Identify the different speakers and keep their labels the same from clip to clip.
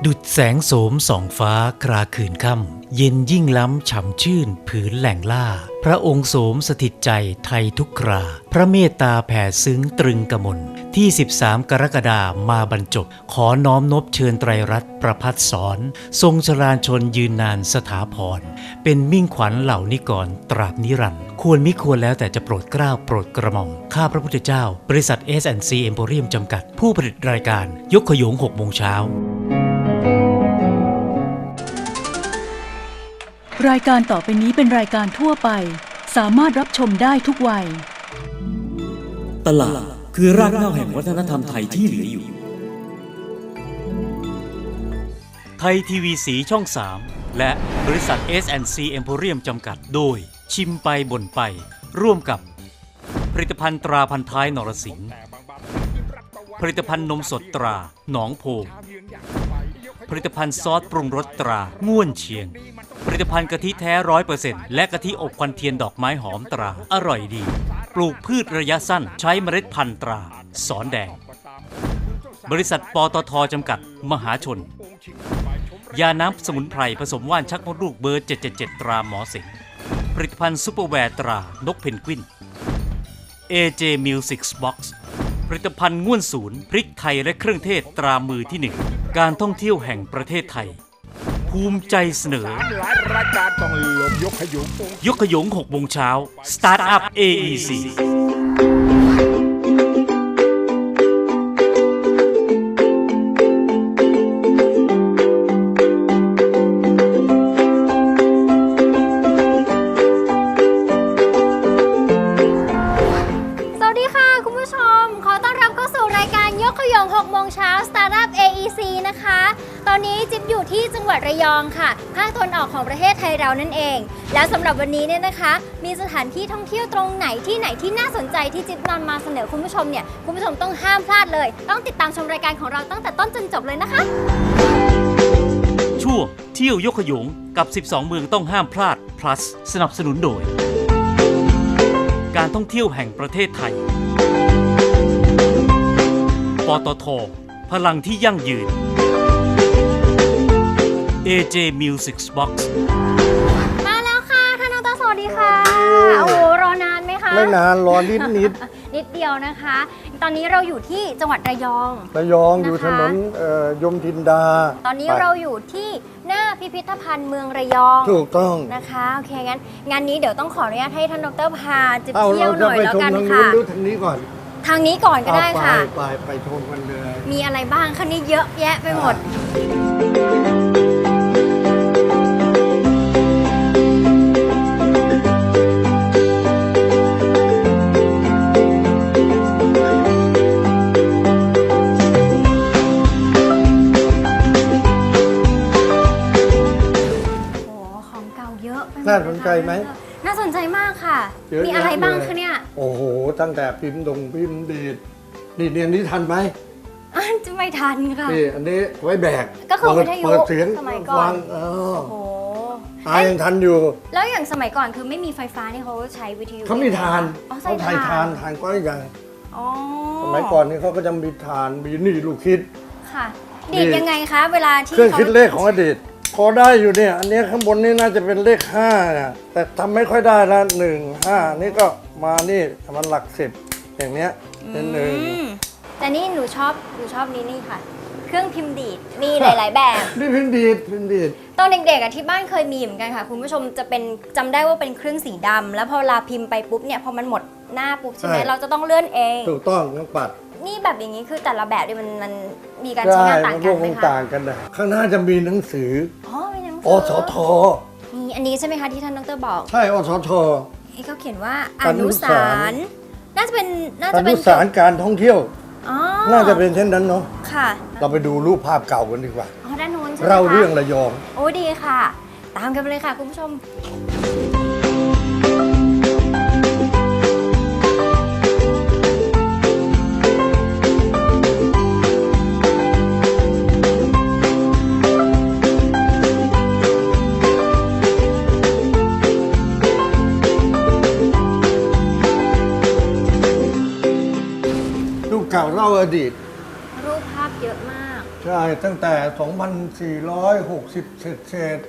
Speaker 1: ดุจแสงโสมส่องฟ้าคราคืนค่ำเย็นยิ่งล้ำฉ่ำชื่นผืนแหล่งล่าพระองค์โสมสถิตใจไทยทุกคราพระเมตตาแผ่ซึ้งตรึงกมลที่13 กรกฎามาบรรจบขอน้อมนบเชิญไตรรัตน์ประพัฒสอนทรงชราญชนยืนนานสถาพรเป็นมิ่งขวัญเหล่านิกรตราบนิรันดร์ควรมิควรแล้วแต่จะโปรดเกล้าโปรดกระหม่อมข้าพระพุทธเจ้าบริษัท S&C Emporium จำกัดผู้ผลิตรายการยกขยง6 โมงเช้าร
Speaker 2: ายการต่อไปนี้เป็นรายการทั่วไปสามารถรับชมได้ทุกวัย
Speaker 3: ตลาดคือรากเหง้าแห่งวัฒนธรรมไทยที่เหลืออยู่
Speaker 1: ไทยทีวีสีช่อง 3 และบริษัท S&C Emporium จำกัดโดยชิมไปบ่นไปร่วมกับผลิตภัณฑ์ตราพันท้ายนรสิงห์ผลิตภัณฑ์นมสดตราหนองโพผลิตภัณฑ์ซอสปรุงรสตราง่วนเชียงผลิตภัณฑ์กะทิแท้ 100% และกะทิอบควันเทียนดอกไม้หอมตราอร่อยดีปลูกพืชระยะสั้นใช้เมล็ดพันธุ์ตราสอนแดงบริษัทปตท.จำกัดมหาชนยาน้ำสมุนไพรผสมว่านชักมดลูกเบอร์ 777 ตราหมอสิงห์ผลิตภัณฑ์ซุปเปอร์แวร์ตรานกเพนกวิน AJ Music Box ผลิตภัณฑ์ง่วนศูนย์พริกไทยและเครื่องเทศตรามือที่ 1การท่องเที่ยวแห่งประเทศไทยภูมิใจเสนอยกขยง6 โมงเช้า Start Up AEC
Speaker 4: 6 โมงเช้า Startup AEC นะคะตอนนี้จิ๊บอยู่ที่จังหวัดระยองค่ะภาคตะวันออกของประเทศไทยเรานั่นเองแล้วสำหรับวันนี้เนี่ยนะคะมีสถานที่ท่องเที่ยวตรงไหนที่น่าสนใจที่จิ๊บนำมาเสนอคุณผู้ชมเนี่ยคุณผู้ชมต้องห้ามพลาดเลยต้องติดตามชมรายการของเราตั้งแต่ต้นจนจบเลยนะคะ
Speaker 1: ช่วงเที่ยวยกขยงกับ12 เมืองต้องห้ามพลาด plus สนับสนุนโดยการท่องเที่ยวแห่งประเทศไทยปตท.พลังที่ยั่งยืน AJ Music Box
Speaker 4: มาแล้วค่ะท่านดร.สวัสดีค่ะโอ้โหรอนานไหมคะ
Speaker 5: ไม่นานรอนิด
Speaker 4: นิดเดียวนะคะตอนนี้เราอยู่ที่จังหวัดระยอง
Speaker 5: อยู่ถนนยมทินดา
Speaker 4: ตอนนี้เราอยู่ที่หน้าพิพิธภัณฑ์เมืองระยอง
Speaker 5: ถูกต้อง
Speaker 4: นะคะโอเคงั้นงานนี้เดี๋ยวต้องขออนุญาตให้ท่านดร.พาจะเที่ยวหน่อยแล้วกันค่ะ
Speaker 5: ดูทางนี้ก่อน
Speaker 4: ทางนี้ก่อนก็ได้ค่ะ
Speaker 5: ไปชมกันเลย
Speaker 4: มีอะไรบ้างคะนี่เยอะแยะไปหมดโอ้ของเก่าเยอะไปหมด
Speaker 5: น่าสนใจไหม
Speaker 4: น่าสนใจมากค่ะมีอะไรบ้างคะเนี่ย
Speaker 5: โอ้โหตั้งแต่พิมพ์ดีดนี่เรียนนี้ทันไหม
Speaker 4: จะไม่ทันค่ะ
Speaker 5: นี่อันนี้ไว้แบก
Speaker 4: ก็คือวิทยุ
Speaker 5: เปิดเสียง
Speaker 4: สมัยก่อน
Speaker 5: โอ้โหยังทันอยู่
Speaker 4: แล้วอย่างสมัยก่อนคือไม่มีไฟฟ้านี่เขาใช้วิทยุ
Speaker 5: เขามีทานเขาถ่ายทานก็ได้ยังสมัยก่อนนี่เขาก็จะมีทานมีนี่ลูกคิด
Speaker 4: ค่ะดีดยังไงคะเวลาที่
Speaker 5: เครื่องคิดเลขของอดีตพอได้อยู่เนี่ยอันนี้ข้างบนนี่น่าจะเป็นเลข5นะแต่ทำไม่ค่อยได้ละ1 5นี่ก็มานี่มันหลัก10อย่างเนี้ยเป็น1
Speaker 4: แต่นี่หนูชอบนี่ค่ะเครื่องพิมพ์ดีดมีหลายๆแบบ
Speaker 5: นี่พิมพ์ดีด
Speaker 4: ตอนเด็กๆที่บ้านเคยมีเหมือนกันค่ะคุณผู้ชมจะเป็นจำได้ว่าเป็นเครื่องสีดำแล้วพอเวลาพิมพ์ไปปุ๊บเนี่ยพอมันหมดหน้าปุ๊บใช่ไหมเราจะต้องเลื่อนเอง
Speaker 5: ถูกต้องต้องปัด
Speaker 4: นี่แบบอย่างนี้คือแต่ละแบบเนี่ยมันมีการใช้งานต่างกันไหมคะ
Speaker 5: ต่างกันนะข้างหน้าจะมีหนังสือ
Speaker 4: มีหนังสื
Speaker 5: อสท
Speaker 4: นี่อันนี้ใช่ไหมคะที่ท่านดร.บอก
Speaker 5: ใช่อสท
Speaker 4: เขาเขียนว่าอนุสารน่าจะเป็น
Speaker 5: อนุสารการท่องเที่ยวน่าจะเป็นเช่นนั้นเนาะ
Speaker 4: ค่ะ
Speaker 5: เราไปดูรูปภาพเก่ากันดีกว่า
Speaker 4: ด้านโน้นใช่ไหมคะ
Speaker 5: เราเรื่องระยอง
Speaker 4: โอ้ดีค่ะตามกันไปเลยค่ะคุณผู้ชม
Speaker 5: เก่าเล่าอดีต
Speaker 4: รูปภาพเยอะมาก
Speaker 5: ใช่ช่ตั้งแต่ 2,460 เศษ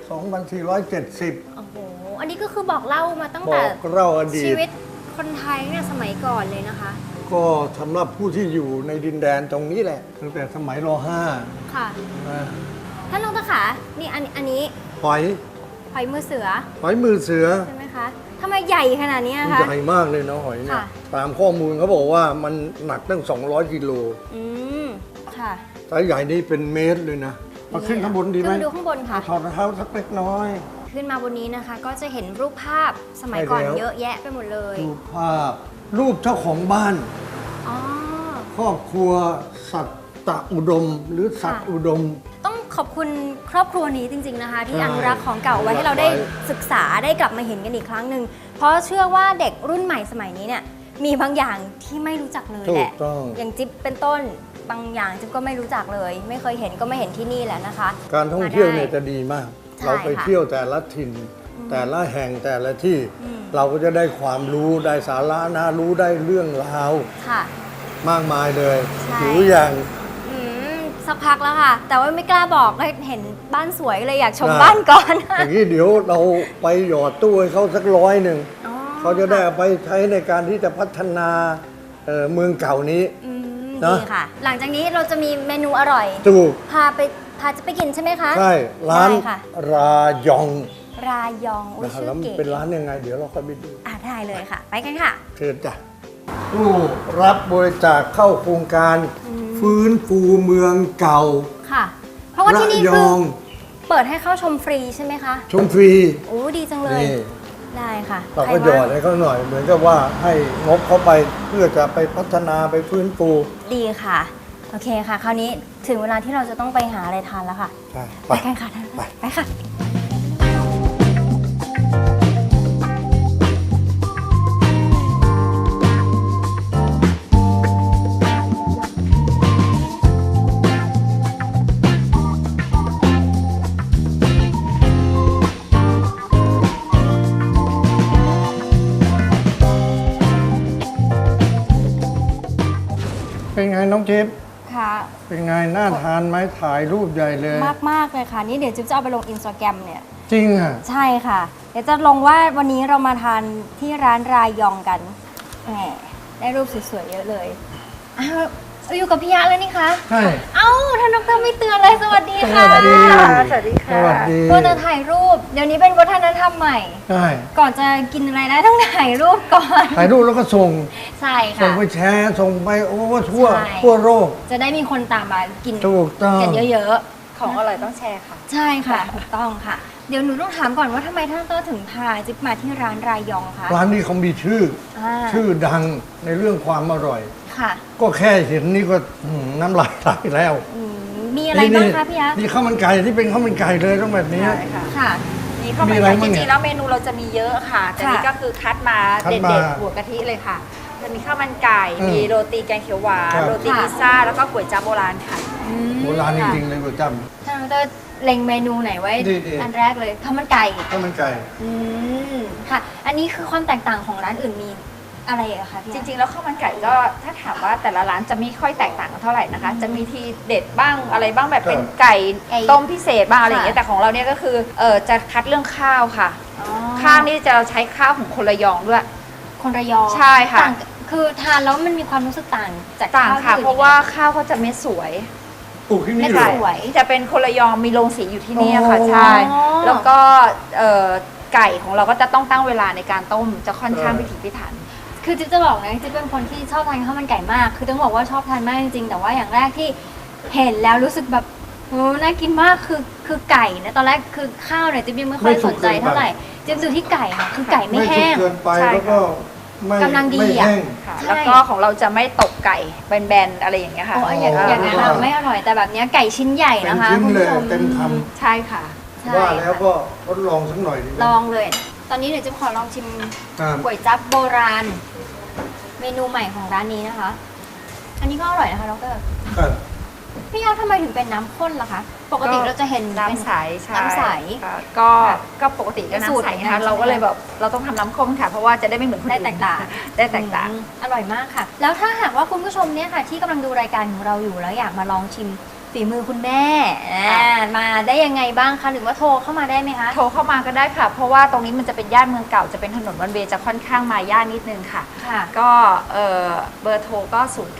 Speaker 5: 2,470
Speaker 4: โอ้โห อันนี้ก็คือบอกเล่ามาตั้ง
Speaker 5: บ
Speaker 4: แต่
Speaker 5: อกเล่าอดี
Speaker 4: ชี
Speaker 5: ต
Speaker 4: วิตคนไทยเนี่ยสมัยก่อนเลยนะคะ
Speaker 5: ก็สำหรับผู้ที่อยู่ในดินแดนตรงนี้แหละ ตั้งแต่สมัยร .5
Speaker 4: ค่ะ
Speaker 5: นะ
Speaker 4: ท่านดรขานี่อันนี้
Speaker 5: หอย
Speaker 4: หอยมือเสือ
Speaker 5: หอยมือเสือ
Speaker 4: ใช่ไหมคะทำไมใหญ่ขนาดนี้
Speaker 5: มัน
Speaker 4: คะ
Speaker 5: ใหญ่มากเลยนะหอยเนี่ย
Speaker 4: ค่ะ
Speaker 5: ตามข้อมูลเขาบอกว่ามันหนักตั้ง 200 กิโล
Speaker 4: อืมค่ะ
Speaker 5: ไซส์ใหญ่นี่เป็นเมตรเลยนะ มาขึ้นข้างบนดีไหม
Speaker 4: ขึ้นดูข้างบนค่ะ
Speaker 5: ถอดรองเท้าสักเล็กน้อย
Speaker 4: ขึ้นมาบนนี้นะคะ ก็จะเห็นรูปภาพสมัยก่อน
Speaker 5: ใช่แล้ว
Speaker 4: เยอะแยะไปหมดเลย
Speaker 5: รูปภาพ รูปเจ้าของบ้าน
Speaker 4: อ๋อ
Speaker 5: ครอบครัวสัตตอุดม หรือสัตว์
Speaker 4: ค่ะ
Speaker 5: อุดม
Speaker 4: ต้องขอบคุณครอบครัวนี้จริง ๆนะคะ ที่
Speaker 5: ใช่
Speaker 4: อนุรักษ์ของเก่าไว้ให้เราได้ศึกษาได้กลับมาเห็นกันอีกครั้งหนึ่งเพราะเชื่อว่าเด็กรุ่นใหม่สมัยนี้เนี่ยมีบางอย่างที่ไม่รู้จักเลย
Speaker 5: ถู
Speaker 4: แห
Speaker 5: ก
Speaker 4: ละ
Speaker 5: ต้อง
Speaker 4: อย่างจิ๊บเป็นต้นบางอย่างจิ๊บก็ไม่รู้จักเลย ไม่เคยเห็นก็ไม่เห็นที่นี่แหละนะคะ
Speaker 5: การท่องเที่ยวเนี่ย
Speaker 4: มาได้
Speaker 5: จะดีมาก
Speaker 4: ใช่
Speaker 5: เราไป
Speaker 4: ค่ะ
Speaker 5: เที่ยวแต่ละถิ่น แต่ละแห่งแต่ละที่
Speaker 4: อืม
Speaker 5: เราก็จะได้ความรู้ได้สาระน่ารู้ได้เรื่องราว
Speaker 4: ค่ะ
Speaker 5: มากมายเลย
Speaker 4: ใช่
Speaker 5: หิวอย่าง
Speaker 4: อืมสักพักแล้วค่ะ แต่ว่าไม่กล้าบอกก็เห็นบ้านสวยเลยอยากชม
Speaker 5: ได้
Speaker 4: บ้านก่อน
Speaker 5: อย่างนี้เดี๋ยวเราไปหยอดตู้ให้เขาสัก100
Speaker 4: อ๋อ
Speaker 5: เขาจะได้เอาไปใช้ในการที่จะพัฒนาเมืองเก่านี้
Speaker 4: อืม
Speaker 5: เนอะ
Speaker 4: ดีค่ะ หลังจากนี้เราจะมีเมนูอร่อย
Speaker 5: ถูก
Speaker 4: พาจะไปกินใช่ไหมคะ
Speaker 5: ใช่ร้าน
Speaker 4: ได้ค่ะ
Speaker 5: รายอง
Speaker 4: รายองอุ้ย
Speaker 5: นะครับ
Speaker 4: ชื่
Speaker 5: แล้
Speaker 4: อ
Speaker 5: วมัน
Speaker 4: เก๋
Speaker 5: เป็นร้านยังไง เดี๋ยวเราค่อยไปดู
Speaker 4: ได้เลยค่ะ ไปกันค่ะ
Speaker 5: เชิญจ้ะผู้รับบริจาคเข้าโครงการ ฟื้นฟูเมืองเก่า
Speaker 4: ค่ะ เพราะว่าที่นี่
Speaker 5: ระย
Speaker 4: คือ
Speaker 5: อง
Speaker 4: เปิดให้เข้าชมฟรีใช่ไหมคะ
Speaker 5: ชมฟรี
Speaker 4: โอ้ดีจังเลย
Speaker 5: นี่
Speaker 4: ได้ค่ะ
Speaker 5: เรา
Speaker 4: ใค
Speaker 5: ก็หยอ
Speaker 4: ว่าง
Speaker 5: ดให้เขาหน่อย เหมือนกับว่าให้งบเขาไปเพื่อจะไปพัฒนาไปฟื้นฟู
Speaker 4: ดีค่ะ โอเคค่ะ คราวนี้ถึงเวลาที่เราจะต้องไปหาอะไรทานแล้วค่ะ
Speaker 5: ใช่
Speaker 4: ไปกันค่ะท่านไปค่ะ
Speaker 5: เป็นไงน้องจิ๊บ
Speaker 4: ค่ะ
Speaker 5: เป็นไงน่าทานไหมถ่ายรูปใหญ่เลย
Speaker 4: มากเลยค่ะ นี่เดี๋ยวจิ๊บจะเอาไปลงอินสตาแกรมเนี่ย
Speaker 5: จริงอ่ะ
Speaker 4: ใช่ค่ะ เดี๋ยวจะลงว่าวันนี้เรามาทานที่ร้านรายองกันแหมได้รูปสวยๆเยอะเลยอ้าวอยู่กับพี่ยะเลยนี่คะ
Speaker 5: ใช่
Speaker 4: เอ้าท่านดรไม่เตือนเลยสวัสดีค่ะ
Speaker 5: สวัสดี
Speaker 4: สวัสดีค่ะ
Speaker 5: สวัสดี
Speaker 4: ก็จะถ่ายรูป เดี๋ยวนี้เป็นวัฒนธรรมใหม่
Speaker 5: ใช่
Speaker 4: ก่อนจะกินอะไรได้ต้องถ่ายรูปก่อน
Speaker 5: ถ่ายรูปแล้วก็ส่ง
Speaker 4: ใช่
Speaker 5: ส่
Speaker 4: ค่ะ
Speaker 5: งไปแชร์ส่งไปโอ้ทั่ว
Speaker 4: ใช่
Speaker 5: ทั่วโลก
Speaker 4: จะได้มีคนตามมากิน
Speaker 5: ถูกต้อง
Speaker 4: กันเยอะ
Speaker 6: ของอร่อยต้องแชร์ค่ะ
Speaker 4: ๆ ใช่ค่ะถูกต้องค่ะ เดี๋ยวหนูต้องถามก่อนว่าทำไมท่านดรถึงพาจิ๊บมาที่ร้านรายองคะ
Speaker 5: ร้านนี้เขามีชื่อ ชื่อดังในเรื่องความอร่อย
Speaker 4: ค่ะ
Speaker 5: ก็แค่เห็นนี่ก็น้ำลายไหลแล้ว
Speaker 4: มีอะไรบ้างคะพี่ยะ
Speaker 5: นี่ข้าวมันไก่ที่เป็นข้าวมันไก่เลยต้องแบบนี้
Speaker 6: ใช่ค่ะ
Speaker 4: ค่ะ
Speaker 6: นี่ข้าว
Speaker 5: มี
Speaker 6: มัน
Speaker 5: อะไร
Speaker 6: ไก่
Speaker 5: บ้าง
Speaker 6: จ
Speaker 5: เนี่ย
Speaker 6: ริงๆแล้วเมนูเราจะมีเยอะค่ะ แต่
Speaker 4: ค่ะ
Speaker 6: นี่ก็คือคัดมา
Speaker 5: คัด
Speaker 6: เด็
Speaker 5: มา
Speaker 6: ดๆหัวกะทิเลยค่ะ จะมีข้าวมันไก่
Speaker 5: อืม
Speaker 6: มีโรตีแกงเขียวหวาน
Speaker 5: ครับ
Speaker 6: โรตี
Speaker 4: ค่ะ
Speaker 6: พิซซ่า แล้วก็ก๋วยจั๊บโบราณค่ะ
Speaker 5: โบราณจริงๆเลยก๋วยจั๊บ
Speaker 4: ท่านดรเล็งเมนูไหนไว้
Speaker 5: ดีๆ
Speaker 4: อันแรกเลยข้าวมันไก่
Speaker 5: ข้าวมันไก่
Speaker 4: อืมค่ะ อันนี้คือความแตกต่างของร้านอื่นมีอะไรอะคะพี่
Speaker 6: จ
Speaker 4: ยะ
Speaker 6: ริงๆแล้วข้าวมันไก่ก็ถ้าถามว่าแต่ละร้านจะไม่ค่อยแตกต่างกันเท่าไหร่นะคะ จะมีทีเด็ดบ้างอะไรบ้างแบบเป็นไก่ต้มพิเศษบ้างอะไรอย่างเงี้ย แต่ของเราเนี่ยก็คือจะคัดเรื่องข้าวค่ะ
Speaker 4: อ๋อ
Speaker 6: ข้าวนี่จะเราใช้ข้าวของคนระยองด้วย
Speaker 4: คนระยอง
Speaker 6: ใช่ค่ะ
Speaker 4: ต่างคือทานแล้วมันมีความรู้สึกต่างจาก
Speaker 6: ต่าง
Speaker 4: ข้าว
Speaker 6: ค่ะ
Speaker 4: ที่อื่น
Speaker 6: เพราะว่าข้าวเขาจะเม็ดสวย
Speaker 5: ปลูกที่นี่
Speaker 4: ไม่
Speaker 5: เหร
Speaker 4: ค่ะ
Speaker 5: อ
Speaker 4: สวย
Speaker 6: จะเป็นคนระยองมีโรงสีอยู่ที่นี่ค่ะ
Speaker 5: อ๋อ
Speaker 6: ใช่ แล้วก็ไก่ของเราก็จะต้องตั้งเวลาในการต้มจะค่อนข้างพิถีพิถัน
Speaker 4: คือจิ๊บจะบอกนะจิ๊บเป็นคนที่ชอบทานข้าวมันไก่มาก คือต้องบอกว่าชอบทานมากจริงๆ แต่ว่าอย่างแรกที่เห็นแล้วรู้สึกแบบโอ้น่ากินมากคือไก่นะตอนแรกคือข้าวเนี่ยจิ๊บยังไม่ค่อยสนใจเท่าไหร่จิ๊บดูที่ไก่ค่ะคือไก่ไม่
Speaker 5: ไม่สุ
Speaker 4: แห้
Speaker 5: ก
Speaker 4: ง
Speaker 5: เกินไป
Speaker 6: ใช่
Speaker 5: แล้วก็ไม่
Speaker 4: กำลังดี
Speaker 5: ไม่
Speaker 4: อะ
Speaker 5: แห้ง
Speaker 6: ค่ะ
Speaker 4: ใช่
Speaker 6: แล้วก็ของเราจะไม่ตกไก่แบนๆอะไรอย่างเงี้ยค่ะ
Speaker 4: โอ้ยอย่างนั้นอะไม่อร่อยแต่แบบเนี้ยไก่ชิ้นใหญ่
Speaker 5: เป็น
Speaker 4: นะคะ
Speaker 5: ชิ้น
Speaker 4: คุณ
Speaker 5: เล
Speaker 4: ผู้
Speaker 5: ย
Speaker 4: ชม
Speaker 5: เต็มค
Speaker 6: ใช่ค่ะ
Speaker 4: ใช่
Speaker 5: ำว่าแล้วก็ทดลองสักหน่อยดีไหม
Speaker 4: ลองเลย ตอนนี้เดี๋ยวจิ๊บขอลองชิม
Speaker 5: ครับ
Speaker 4: ก๋วยจั๊บโบราณ เมนูใหม่ของร้านนี้นะคะ อันนี้ก็อร่อยนะคะดร
Speaker 5: ครับ
Speaker 4: พี่ยอดทำไมถึงเป็นน้ำข้นล่ะคะ ปกติเราจะเห็น
Speaker 6: น้ำใสใช่
Speaker 4: น้ำใส
Speaker 6: ค่ะก็ปกติก็
Speaker 4: สูตร
Speaker 6: น้ำใส
Speaker 4: เหมือนกั
Speaker 6: นะคะ
Speaker 4: น
Speaker 6: เราก็เลยแบบเราต้องทำน้ำข้นค่ะ เพราะว่าจะได้ไม่เหมือนคน
Speaker 4: ได้
Speaker 6: อื่น
Speaker 4: แตกต่าง
Speaker 6: ได้แตกต่าง
Speaker 4: อร่อยมากค่ะ แล้วถ้าหากว่าคุณผู้ชมเนี่ยค่ะ ที่กำลังดูรายการของเราอยู่แล้วอยากมาลองชิมฝีฝีมือคุณแม่มาได้ยังไงบ้างคะหรือว่าโทรเข้ามาได้ไหมคะ
Speaker 6: โทรเข้ามาก็ได้ค่ะ เพราะว่าตรงนี้มันจะเป็นย่านเมืองเก่าจะเป็นถนนวันเวย์จะค่อนข้างมาย่านนิดนึงค่ะ
Speaker 4: ค่ะ
Speaker 6: ก็เบอร์โทรก็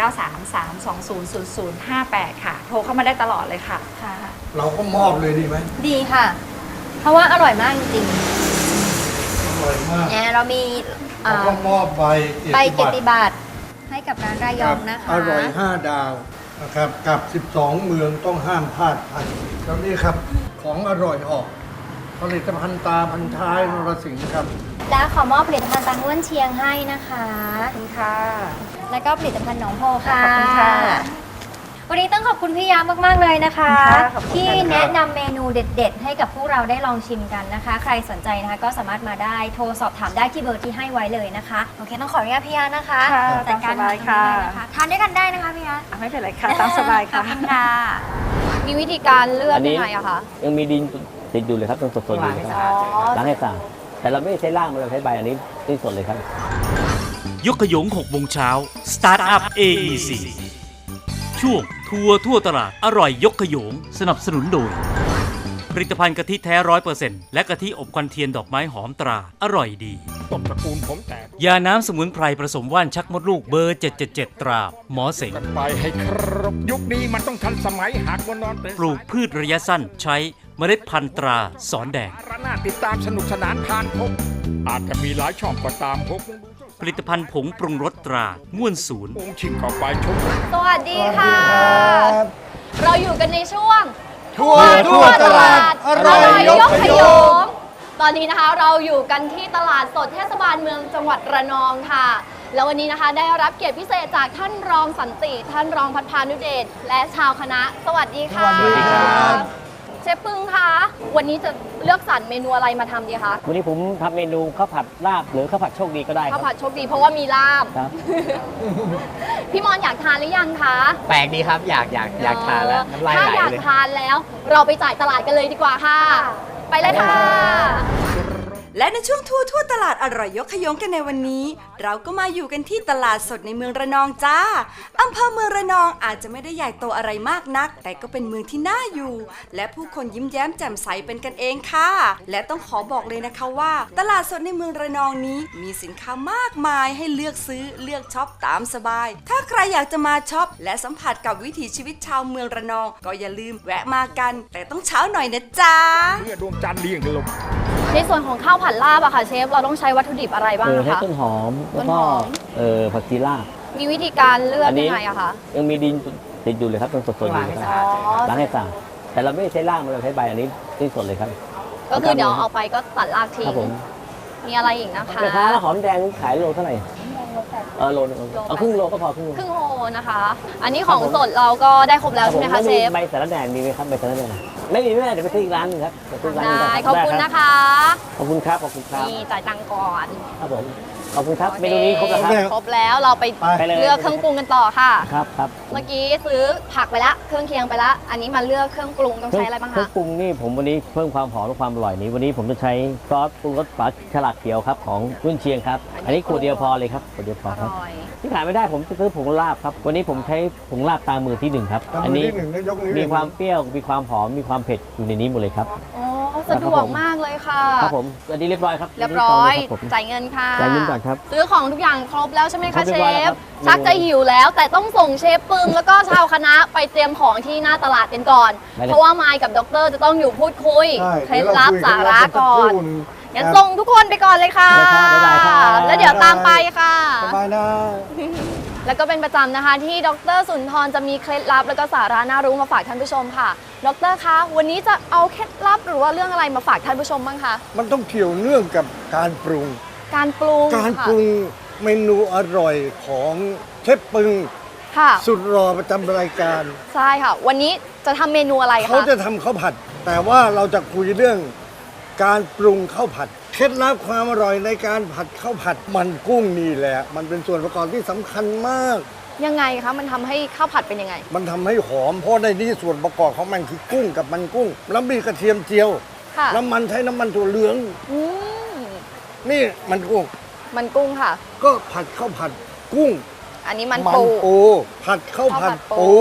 Speaker 6: 0933200058 ค่ะ โทรเข้ามาได้ตลอดเลยค่ะ
Speaker 4: ค่ะ
Speaker 5: เราก็มอบเลยดีไหม
Speaker 4: ดีค่ะ เพราะว่าอร่อยมากจริง
Speaker 5: อร่อยมาก
Speaker 4: ๆเนี่ยเรามี
Speaker 5: เราก็มอบใบ
Speaker 4: ใบเกียรติบัตรให้กับร้านรายองนะคะ
Speaker 5: อร่อย 5 ดาวนะครับกับ 12 เมืองต้องห้ามพลาดพันแล้วนี่ครับของอร่อยออกผลิตภัณฑ์ตาพันท้ายนรสิงห์ครับ
Speaker 4: และขอมอบผลิตภัณฑ์ตาง้วนเชียงให้นะคะ
Speaker 6: ขอบคุณค่ะ
Speaker 4: แล้วก็ผลิตภัณฑ์หนองโพค่ะ
Speaker 6: ขอบคุณค่ะ
Speaker 4: วันนี้ต้องขอบคุณพี่ยามากๆเลยนะคะ
Speaker 6: ขอบคุณค่ะ
Speaker 4: ที่แนะนำเมนูเด็ด ๆ ให้กับพวกเราได้ลองชิมกันนะคะ ใครสนใจนะคะก็สามารถมาได้โทรสอบถามได้ที่เบอร์ที่ให้ไว้เลยนะคะโอเคต้องขออนุญาตพี่ยานะคะ
Speaker 6: ค่ะ
Speaker 4: จัดการ
Speaker 6: ตามสบายค่ะ
Speaker 4: ทานด้วยกันได้นะคะพี่ยา
Speaker 6: ไม่เป็นไรค่ะ ตามสบายค่ะ
Speaker 4: ขอบคุณค่ะ
Speaker 7: มีวิธีการเลือก
Speaker 8: อันนี้
Speaker 7: ยังไงอะคะ
Speaker 8: ยังมีดินติดอยู่เลยครับต้องสดๆอยู่เลยครับล้างให้สะอาดแต่เราไม่ได้ใช้ล่างเราใช้ใบอันนี้ที่สดเลยครับ
Speaker 1: ยกขยง6โมงเช้า Start Up AEC ช่วงทัวร์ทั่วตลาดอร่อยยกขยงสนับสนุนโดย ผลิตภัณฑ์กะทิแท้ 100% และกะทิอบควันเทียนดอกไม้หอมตราอร่อยดี
Speaker 9: ต้นตระกูลผมแตก
Speaker 1: ยาน้ำสมุนไพรผสมว่านชักมดลูกเบอร์ 777 ตราหมอเสง
Speaker 9: กันไปให้ครบยุคนี้มันต้องทันสมัยหากวันนอนตื่น
Speaker 1: ปลูกพืชระยะสั้นใช้เมล็ดพันธุ์ตราสอนแดง
Speaker 9: ระนาติดตามสนุกสนานผ่านพบอาจจะมีหลายช่องก็ตามพบ
Speaker 1: ผลิตภัณฑ์ผงปรุงรสตราง่วนศูนย์
Speaker 9: องค์ชิงเข้าไปชม
Speaker 7: สวัสดีค่ะ เราอยู่กันในช่วง
Speaker 5: ทั่วตลาดอร่อยยกขยง
Speaker 7: ตอนนี้นะคะเราอยู่กันที่ตลาดสดเทศบาลเมืองจังหวัดระนองค่ะ แล้ววันนี้นะคะได้รับเกียรติพิเศษจากท่านรองสันติ ท่านรองพัฒพานุเดชและชาวคณะ สวัสดีค่ะ
Speaker 5: สวัสดีครับ
Speaker 7: เชฟปึ้งคะวันนี้จะเลือกสรรเมนูอะไรมาทำดีคะ
Speaker 8: วันนี้ผมทำเมนูข้าวผัดลาบหรือข้าวผัดโชคดีก็ได้ค
Speaker 7: ข้า
Speaker 8: รั
Speaker 7: ว
Speaker 8: บ
Speaker 7: ผัดโชคดีเพราะว่ามีลาบ
Speaker 8: ครับ
Speaker 7: พี่มอนอยากทานหรือยังคะ
Speaker 8: แปลกดีครับอยากทานแล้วน้ำลาย
Speaker 7: ถ้า
Speaker 8: ไหล
Speaker 7: อยาก
Speaker 8: เลย
Speaker 7: ทานแล้ว เราไปจ่ายตลาดกันเลยดีกว่าค่ะ ไปเลยค่ะ
Speaker 10: และในช่วงทั่วตลาดอร่อยยกขยงกันในวันนี้ เราก็มาอยู่กันที่ตลาดสดในเมืองระนองจ้าอำเภอเมืองระนองอาจจะไม่ได้ใหญ่โตอะไรมากนัก แต่ก็เป็นเมืองที่น่าอยู่ และผู้คนยิ้มแย้มแจ่มใสเป็นกันเองค่ะ และต้องขอบอกเลยนะคะว่า ตลาดสดในเมืองระนองนี้มีสินค้ามากมายให้เลือกซื้อเลือกช็อปตามสบาย ถ้าใครอยากจะมาช็อปและสัมผัสกับวิถีชีวิตชาวเมืองระนอง ก็อย่าลืมแวะมากัน แต่ต้องเช้าหน่อยนะจ๊ะ
Speaker 9: เมื่อดวงจันทร์เลี้ยงลง
Speaker 7: ในส่วนของข้าวผัดลาบอะค่ะเชฟเราต้องใช้วัตถุดิบอะไรบ้างนะ
Speaker 8: ใช้
Speaker 7: คะ
Speaker 8: ต้นหอมแล้วก็
Speaker 7: ต้นหอม
Speaker 8: ผักชีลาบ
Speaker 7: มีวิธีการเลือก
Speaker 8: อันนี้
Speaker 7: ยังไงอะคะ
Speaker 8: ยังมีดินติดอยู่เลยครับต้องสดๆอยู่เลยครับล้างให้สะอาดแต่เราไม่ได้ใช้ล่างเราใช้ใบอันนี้ที่สดเลยครับ
Speaker 7: ก็คือเดี๋ยวเอาไปก็ตัดรากทิ้
Speaker 8: ครับ
Speaker 7: ง
Speaker 8: ผม
Speaker 7: มีอะไรอีกนะคะ
Speaker 8: แม่ค้าหอมแดงขายโลเท่าไหร่โลนึงเอาครึ่งโลก็พอครึ่งโล
Speaker 7: ครึ่งโลนะคะ อันนี้ของสดเราก็ได้ครบแล้วใช่ไหมคะเชฟ
Speaker 8: ใบสาระแหน่มีไหมครับใบสาระแหน่ไม่มีแม่เดี๋ยวไปซื้ออีกร้านหนึงครับไปซื้ออีกร้านหนึง
Speaker 7: ได้
Speaker 8: รับ
Speaker 7: ขอบคุณนะคะ
Speaker 8: ขอบคุณครับขอบคุณครับ
Speaker 7: นี่จ่ายตังค์ก่อน
Speaker 8: ครับผมขอบคุณครับเมนูนี้ครบแล้วครับ
Speaker 7: ครบแล้วเราไป
Speaker 8: ไปเลย
Speaker 7: เลือกเครื่องปรุงกันต่อค่ะ
Speaker 8: ครับครับ
Speaker 7: เมื่อกี้ซื้อผักไปละเครื่องเคียงไปละอันนี้มาเลือกเครื่องปรุงต้องใช้อะไรบ้าง
Speaker 8: เครื่
Speaker 7: คะ
Speaker 8: ปรุงนี่ผมวันนี้เพิ่มความหอมและความอร่อยนี้วันนี้ผมจะใช้ซอสปรุงรสฝาฉลากเขียวครับของรุ่นเชียงครับอันนี้ขวดเดียวพอเลยครับขวดเดียวพอ
Speaker 7: อ
Speaker 8: ครับ
Speaker 7: ร่อย
Speaker 8: ที่ขายไม่ได้ผมจะซื้อผงลาบครับวันนี้ผมใช้ผงลาบตามือที่หนึ่งครับ
Speaker 5: ตามมือ
Speaker 8: อันนี้
Speaker 5: ที่หนึ่งแล้วยกนิ้ว
Speaker 8: มีความเปรี้ยวมีความหอมมีความเผ็ดอยู่ในนี้หมดเลยครับ
Speaker 7: อ๋อสะดวกมากเลยค่ะ
Speaker 8: ครับผมอันนี้เรียบร้อยครับ
Speaker 7: เรียบร้อย
Speaker 8: ครับผม
Speaker 7: จ่ายเงินค่ะ
Speaker 8: จ่ายเงินก่อนครับ
Speaker 7: ซื้อของทุกอย่างครบแล้วใช่ไหม
Speaker 8: คร
Speaker 7: คะ
Speaker 8: บเรี
Speaker 7: เช
Speaker 8: ยบร้อยแล้ว
Speaker 7: ฟ
Speaker 8: ครับ
Speaker 7: ชักจะหิวแล้ว แต่ต้องส่งเชฟปึ้งแล้วก็ชาวคณะไปเตรียมของที่หน้าตลาดกันก่อน
Speaker 8: ได้เลย
Speaker 7: เพราะว่ามายกับด็อกเตอร์จะต้องอยู่พูดคุย
Speaker 5: ใช่
Speaker 7: เคล็ดลับ
Speaker 5: ดี๋ยว
Speaker 7: สาระก่อน
Speaker 5: คุย
Speaker 7: งั้นส่งทุกคนไปก่อนเลยค่ะ
Speaker 8: ได้ครับบ๊ายบายครับ
Speaker 7: แล้วเดี๋ยวตามไปค่ะ
Speaker 5: สบายนะ
Speaker 7: แล้วก็เป็นประจำนะคะที่ดรสุนทรจะมีเคล็ดลับแล้วก็สาระน่ารู้มาฝากท่านผู้ชมค่ะดรคะวันนี้จะเอาเคล็ดลับหรือว่าเรื่องอะไรมาฝากท่านผู้ชมบ้างคะ
Speaker 5: มันต้องเกี่ยวเนื่องกับการปรุง
Speaker 7: การปรุง
Speaker 5: การ
Speaker 7: ค่ะ
Speaker 5: ปรุงเมนูอร่อยของเชฟปึง
Speaker 7: ค่ะ
Speaker 5: สุดรอประจำรายการ
Speaker 7: ใช่ค่ะ วันนี้จะทำเมนูอะไรคะ
Speaker 5: เขาจะทำข้าวผัด แต่ว่าเราจะคุยเรื่องการปรุงข้าวผัดเคล็ดลับความอร่อยในการผัดข้าวผัดมันกุ้งนี่แหละ มันเป็นส่วนประกอบที่สำคัญมาก
Speaker 7: ยังไงคะมันทำให้ข้าวผัดเป็นยังไง
Speaker 5: มันทำให้หอมเพราะในนี้ส่วนประกอบของมันคือกุ้งกับมันกุ้ง แล้วมีกระเทียมเจียว
Speaker 7: ค่ะ
Speaker 5: น้ำมันใช้น้ำมันถั่วเหลือง
Speaker 7: อืม
Speaker 5: นี่มันกุ้ง
Speaker 7: มันกุ้งค่ะ
Speaker 5: ก็ผัดข้าวผัดกุ้ง
Speaker 7: อันนี้มัน
Speaker 5: มัน
Speaker 7: ปู
Speaker 5: ปูผัดข้าวผัด
Speaker 7: ข้าวผัดปู
Speaker 5: ปู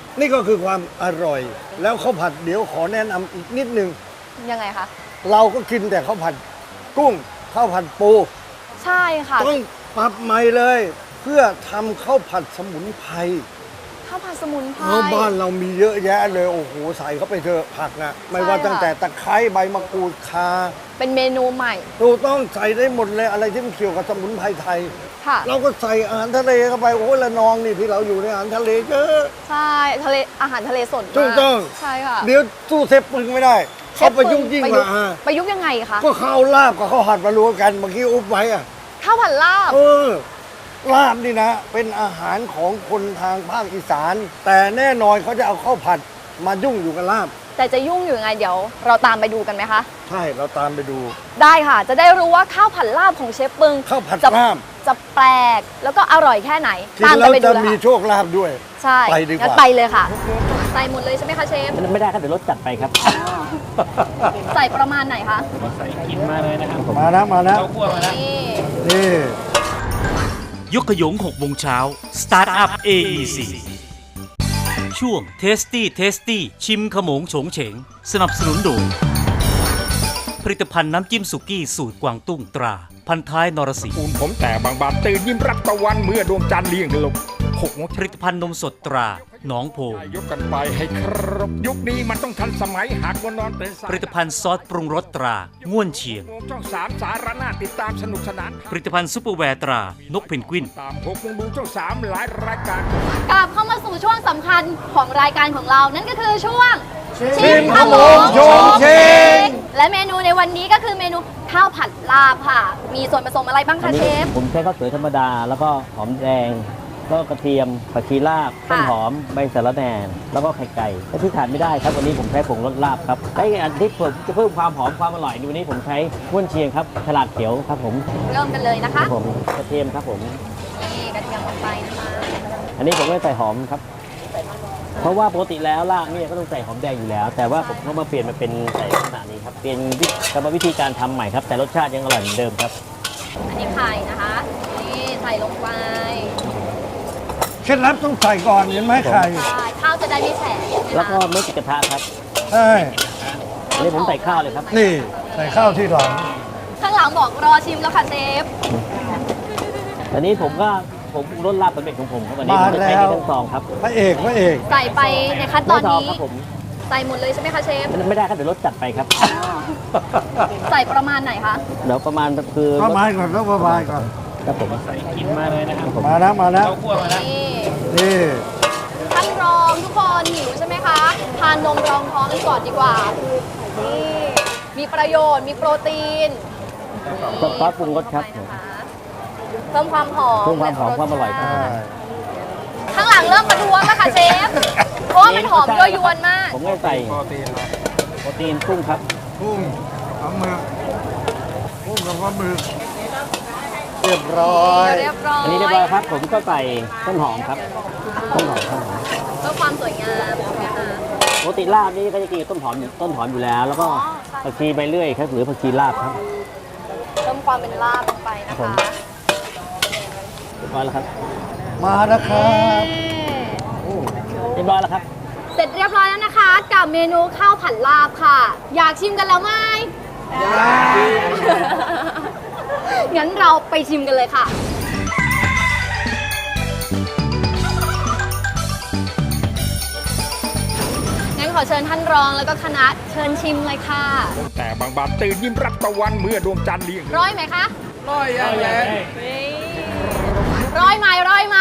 Speaker 5: นี่ก็คือความอร่อย แล้วข้าวผัดเดี๋ยวขอแนะนำอีกนิดนึง
Speaker 7: ยังไงคะ
Speaker 5: เราก็กินแต่ข้าวผัดกุ้งข้าวผัดปู
Speaker 7: ใช่ค่ะ
Speaker 5: ต้องปรับใหม่เลย เพื่อทำข้าวผัดสมุนไพร
Speaker 7: ข้าวผัดสมุนไพร
Speaker 5: เพราะบ้านเรามีเยอะแยะเลยโอ้โหใส่เข้าไปเถอะผักนะไม่ว่า
Speaker 7: ใช่ค่ะ
Speaker 5: ตั้งแต่ตะไคร้ใบมะกรูดข่า
Speaker 7: เป็นเมนูใหม่
Speaker 5: เราต้องใส่ได้หมดเลยอะไรที่มันเกี่ยวกับสมุนไพรไทย
Speaker 7: ค่ะ
Speaker 5: เราก็ใส่อาหารทะเลเข้าไปโอ้ยละนองนี่ที่เราอยู่ในอาหารทะเลเยอะ
Speaker 7: ใช่ทะเลอาหารทะเลสดมาก
Speaker 5: ถูกต้อง
Speaker 7: ใช่ค่ะ
Speaker 5: เดี๋ยวสู้เซฟปึงไม่ได้เขาไปยุ่งยิ่งกว่า
Speaker 7: ประยุกต์ยังไงคะ
Speaker 5: ก็ข้าวลาบกับข้าวผัดมารวมกันเมื่อกี้อุ๊บไว้อะ
Speaker 7: ข้าวผัดลาบ
Speaker 5: ลาบนี่นะ เป็นอาหารของคนทางภาคอีสาน แต่แน่นอนเขาจะเอาข้าวผัดมายุ่งอยู่กับลาบ
Speaker 7: แต่จะยุ่งอยู่ยังไงเดี๋ยวเราตามไปดูกันไหมคะ
Speaker 5: ใช่เราตามไปดู
Speaker 7: ได้ค่ะ จะได้รู้ว่าข้าวผัดลาบของเชฟปึง
Speaker 5: ข้าวผัด
Speaker 7: จะ
Speaker 5: ลาบ
Speaker 7: จะแปลกแล้วก็อร่อยแค่ไหน
Speaker 5: กิน
Speaker 7: ตาม
Speaker 5: แล้ว
Speaker 7: ไปดู
Speaker 5: จะ
Speaker 7: เลย
Speaker 5: มี
Speaker 7: ค่ะ
Speaker 5: โชคลาภด้วย
Speaker 7: ใช่
Speaker 5: ไปดีกว่า
Speaker 7: งั้นไปเลยค่ะ ใส่หมดเลยใช่ไหมคะเชฟ
Speaker 8: ไม่ได้ครับเดี๋ยวรถจัดไปครับ
Speaker 7: ใส่ประมาณไหนคะ
Speaker 8: มาเลยนะครับผม
Speaker 5: มานะมานะ
Speaker 7: นี่
Speaker 5: นี่
Speaker 1: ยกขยง6 โมงเช้า Startup AEC ช่วง Tasty ชิมขโมงโฉงเฉง สนับสนุนโดยผลิตภัณฑ์น้ำจิ้มสุกี้สูตรกวางตุ้งตรา พันท้ายนรสิงห์
Speaker 9: ปูนผมแต่บางบานตื่นยิ้มรับตะวันเมื่อดวงจันทร์เลี่ยงลง6 โมง
Speaker 1: ผลิตภัณฑ์นมสดตราหนองโพ
Speaker 9: ยกกันไปให้ครบยุคนี้มันต้องทันสมัยหากวันนอนตื่นสาย
Speaker 1: ผลิตภัณฑ์ซอสปรุงรสตราง่วนเชียง
Speaker 9: โมงช่อง3สารนาติดตามสนุกสนาน
Speaker 1: ผลิตภัณฑ์ซุปเปอร์แวร์ตรานกเพนกวิน
Speaker 9: ตาม6 โมงดูช่อง3หลายรายการ
Speaker 7: กลับเข้ามาสู่ช่วงสำคัญของรายการของเรา นั่นก็คือช่วง
Speaker 5: ชิมขโมงโฉงเฉง
Speaker 7: และเมนูในวันนี้ก็คือเมนูข้าวผัดลาบค่ะ มีส่วนผสมอะไรบ้าง
Speaker 8: อั
Speaker 7: คะ
Speaker 8: น
Speaker 7: เช
Speaker 8: นี้
Speaker 7: ฟ
Speaker 8: ผมใช้ข้าวสวยธรรมดา แล้วก็หอมแดง ก็กระเทียมผักชีลาบต้นหอมใบสะระแหน่แล้วก็ไข่ไก่และที่ขาดไม่ได้ครับวันนี้ผมใช้ผงรสลาบครับใช้อันที่ผมจะเพิ่มความหอมความอร่อยในวันนี้ผมใช้ง่วนเชียงครับฉลากเขียวครับผม
Speaker 7: เริ่มกันเลยนะ
Speaker 8: ครั
Speaker 7: คะ
Speaker 8: บผมกระเทียมครับผม
Speaker 7: นี่กระเทียมลงไปนะคะ
Speaker 8: อันนี้ผมไม่ใส่หอมครับ เพราะว่าปกติแล้วลาบเนี่ยก็ต้องใส่หอมแดงอยู่แล้ว แต่ว่าผมก็มาเปลี่ยนมาเป็นใส่ลักษณะนี้ครับเปลี่ยนกรรมวิธีการทำใหม่ครับแต่รสชาติยังอร่อยเหมือนเดิมครับ
Speaker 7: อันนี้ไข่นะคะ นี่ใส่ลงไป
Speaker 5: เคล็ดลับต้องใส่ก่อนเห็นไหมไข่
Speaker 7: ใช่ข้าวจะได้ไม่แฉะใช่ไหมคะ
Speaker 8: แล้วก็ไม่ติดกระทะครับ
Speaker 5: ใช่
Speaker 8: อันนี้ผมใส่ข้าวเลยครับ
Speaker 5: นี่ใส่ข้าวที่หลัง
Speaker 7: ข้างหลังบอกรอชิมแล้วค่ะเชฟ
Speaker 8: อันนี้ผมรสลาบสำเร็จของผมครับวันนี้ผมจะใช้
Speaker 5: มาแล้ว
Speaker 8: ที่ทั้งซองครับ
Speaker 5: พระเอกพระเอก
Speaker 7: ใส่ไปในขั้นตอน
Speaker 8: ไม่ซอง
Speaker 7: นี้
Speaker 8: ครับผม
Speaker 7: ใส่หมดเลยใช่ไหมคะเชฟ
Speaker 8: ไม่ได้ครับเดี๋ยวรสจัดไปครับ
Speaker 7: ใส่ประมาณไหนคะ
Speaker 8: เดี๋ยวประมาณคือ
Speaker 5: ประมาณก่อนต้องประมาณก่อน
Speaker 8: ครับผมใส่กินมาเลยนะครับผม
Speaker 5: มานะมานะ
Speaker 7: นี่
Speaker 5: นี่
Speaker 7: ท่านรองทุกคนหิวใช่ไหมคะทานนมรองท้องกันก่อนดีกว่านี่มีประโยชน์มีโปรตีน
Speaker 8: ซอสปรุงรสครับ
Speaker 7: เพิ่มความหอม
Speaker 8: เพิ่มความหอมความอร่อยครับ
Speaker 7: ข้างหลังเริ่มประท้วงแล้วค่ะเชฟเพราะว่ามันหอมยั่วยวนมาก
Speaker 8: ผมก็ใส่โปรตีนกุ้งครับ
Speaker 5: กุ้งปลาหมึกกุ้งกับปลาหมึกเรียบร้อย
Speaker 7: เรียบร้อย
Speaker 8: อันนี้เรียบร้อยครับ ผมก็ใส่ต้นหอมครับต้นหอม
Speaker 7: เพื่อความสวยงามใช่ไหมคะ
Speaker 8: ปกติลาบนี่ก็จะกินกับต้นหอมอยู่แล้ว แล้วก็ผักชีใบเลื่อยครับหรือผักชีลาบครับ
Speaker 7: เพิ่มความเป็นลาบลงไปนะ
Speaker 8: ผม
Speaker 7: คะ
Speaker 8: เรียบร้อยแล้วครับ
Speaker 5: มานะครับ
Speaker 8: เรียบร้อยแล้วครับ
Speaker 7: เสร็จเรียบร้อยแล้วนะคะ กับเมนูข้าวผัดลาบค่ะ อยากชิมกันแล้วไหมงั้นเราไปชิมกันเลยค่ะ งั้นขอเชิญท่านรองแล้วก็คณะเชิญชิมเลยค่ะ
Speaker 9: แต่บางบานตื่นยิ้มรับตะวันเมื่อดวงจันทร์เลี่ยง
Speaker 7: ร้อยไหมคะ
Speaker 5: ร้อยยังไง
Speaker 7: ร้อยไหมร้อยไหม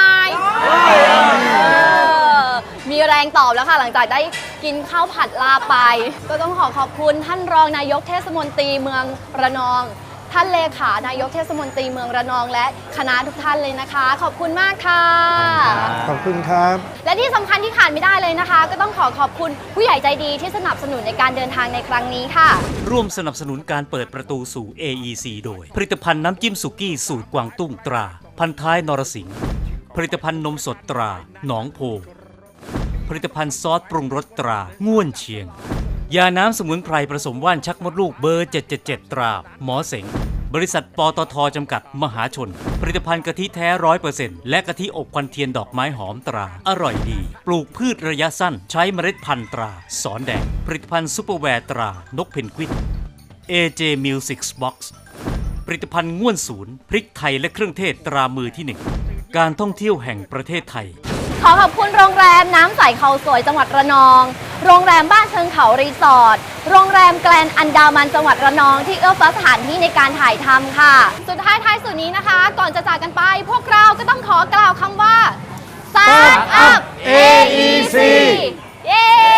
Speaker 7: มีแรงตอบแล้วค่ะ หลังจากได้กินข้าวผัดลาบไป ก็ต้องขอบคุณท่านรองนายกเทศมนตรีเมืองระนอง ท่านเลขานายกเทศมนตรีเมืองระนองและคณะทุกท่านเลยนะคะ ขอบคุณมากค่ะ
Speaker 5: ขอบคุณครับ
Speaker 7: และที่สำคัญที่ขาดไม่ได้เลยนะคะ ก็ต้องขอบคุณผู้ใหญ่ใจดีที่สนับสนุนในการเดินทางในครั้งนี้ค่ะ
Speaker 1: ร่วมสนับสนุนการเปิดประตูสู่ AEC โดย ผลิตภัณฑ์น้ำจิ้มสุกี้สูตรกวางตุ้งตรา พันท้ายนรสิงห์ผลิตภัณฑ์นมสดตราหนองโพผลิตภัณฑ์ซอสปรุงรสตราง่วนเชียง ยาน้ำสมุนไพรผสมว่านชักมดลูกเบอร์ 777 ตราหมอเสงบริษัทปตท.จำกัดมหาชน ผลิตภัณฑ์กะทิแท้ 100% และกะทิอบควันเทียนดอกไม้หอมตราอร่อยดี ปลูกพืชระยะสั้นใช้เมล็ดพันธุ์ตราสอนแดงผลิตภัณฑ์ซุปเปอร์แวร์ตรานกเพนกวิน AJ Music Box ผลิตภัณฑ์ง่วนศูนย์พริกไทยและเครื่องเทศตรามือที่ 1 การท่องเที่ยวแห่งประเทศไทย
Speaker 7: ขอขอบคุณโรงแรมน้ำใสเขาสวยจังหวัดระนอง โรงแรมบ้านเชิงเขารีสอร์ท โรงแรมแกลนอันดามันจังหวัดระนองที่เอื้อเฟื้อสถานที่ในการถ่ายทำค่ะ สุดท้ายท้ายสุดนี้นะคะ ก่อนจะจากกันไป พวกเราก็ต้องขอกล่าวคำว่า Start Up AEC เย้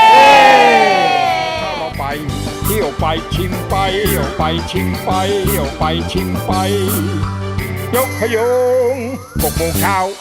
Speaker 9: เราไปเที่ยวไปชิมไปเที่ยวไปชิมไปเที่ยวไปชิมไป ยกขยง6 โมงเช้า